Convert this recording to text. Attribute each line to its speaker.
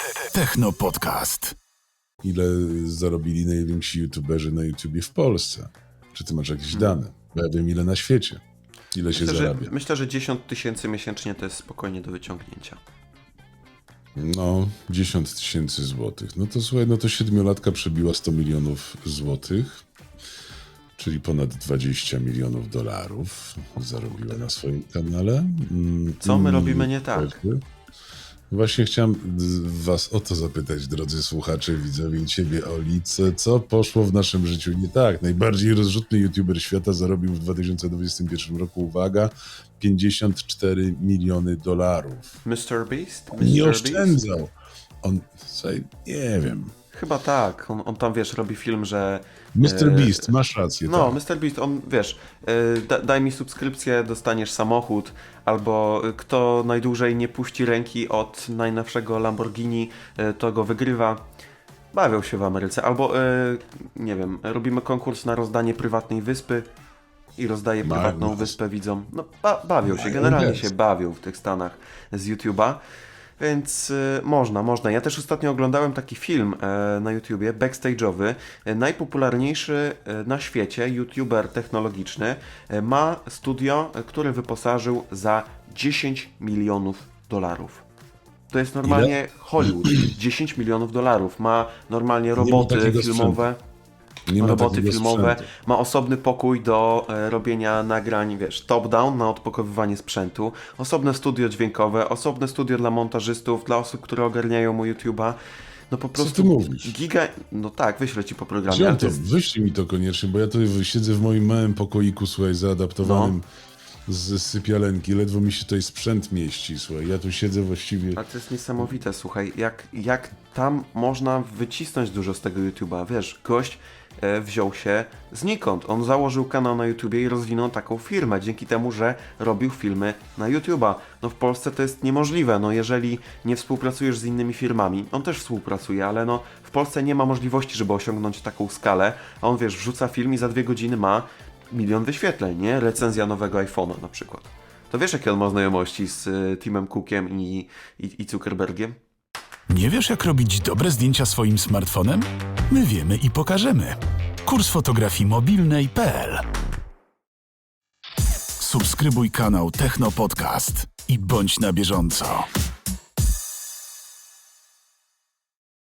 Speaker 1: Techno Podcast.
Speaker 2: Ile zarobili najwięksi youtuberzy na YouTubie w Polsce? Czy ty masz jakieś dane? Bo ja wiem, ile na świecie. Ile się zarabia.
Speaker 3: Myślę, że 10 000 miesięcznie to jest spokojnie do wyciągnięcia.
Speaker 2: No, 10 000 złotych. No to słuchaj, no to 7-latka przebiła 100 milionów złotych, czyli ponad 20 milionów dolarów zarobiła na swoim kanale.
Speaker 3: Co my robimy nie tak?
Speaker 2: Właśnie chciałem was o to zapytać, drodzy słuchacze, widzowie i ciebie, Oli, co poszło w naszym życiu nie tak? Najbardziej rozrzutny youtuber świata zarobił w 2021 roku, uwaga, 54 miliony dolarów.
Speaker 3: Mr. Beast?
Speaker 2: Nie oszczędzał. On, słuchaj, nie wiem.
Speaker 3: Chyba tak. On tam, wiesz, robi film, że...
Speaker 2: Mr. Beast, masz rację.
Speaker 3: No,
Speaker 2: tak.
Speaker 3: Mr. Beast, on, wiesz, daj mi subskrypcję, dostaniesz samochód, albo kto najdłużej nie puści ręki od najnowszego Lamborghini, to go wygrywa. Bawią się w Ameryce. Albo, nie wiem, robimy konkurs na rozdanie prywatnej wyspy i rozdaje prywatną wyspę widzom. No, bawią się, generalnie się bawią w tych Stanach z YouTube'a. Więc można. Ja też ostatnio oglądałem taki film na YouTubie, backstage'owy. Najpopularniejszy na świecie YouTuber technologiczny ma studio, które wyposażył za 10 milionów dolarów. To jest normalnie Hollywood. 10 milionów dolarów. Ma normalnie roboty filmowe. Roboty filmowe, ma osobny pokój do robienia nagrań, wiesz, top-down na odpakowywanie sprzętu, osobne studio dźwiękowe, osobne studio dla montażystów, dla osób, które ogarniają mu YouTube'a. No po prostu
Speaker 2: Co ty mówisz?
Speaker 3: No tak, wyślę ci po programie.
Speaker 2: Wziąłem to, wyślij mi to koniecznie, bo ja tu siedzę w moim małym pokoiku, słuchaj, zaadaptowanym z sypialenki, ledwo mi się tutaj sprzęt mieści, słuchaj, ja tu siedzę właściwie...
Speaker 3: Ale to jest niesamowite, słuchaj, jak tam można wycisnąć dużo z tego YouTube'a, wiesz, gość wziął się znikąd. On założył kanał na YouTubie i rozwinął taką firmę, dzięki temu, że robił filmy na YouTube'a. No w Polsce to jest niemożliwe, no jeżeli nie współpracujesz z innymi firmami, on też współpracuje, ale no w Polsce nie ma możliwości, żeby osiągnąć taką skalę, a on, wiesz, wrzuca film i za 2 godziny ma 1 milion wyświetleń, nie? Recenzja nowego iPhone'a na przykład. To wiesz, jakie on ma znajomości z Timem Cookiem i Zuckerbergiem?
Speaker 1: Nie wiesz, jak robić dobre zdjęcia swoim smartfonem? My wiemy i pokażemy. Kurs fotografii mobilnej.pl. Subskrybuj kanał Techno Podcast i bądź na bieżąco.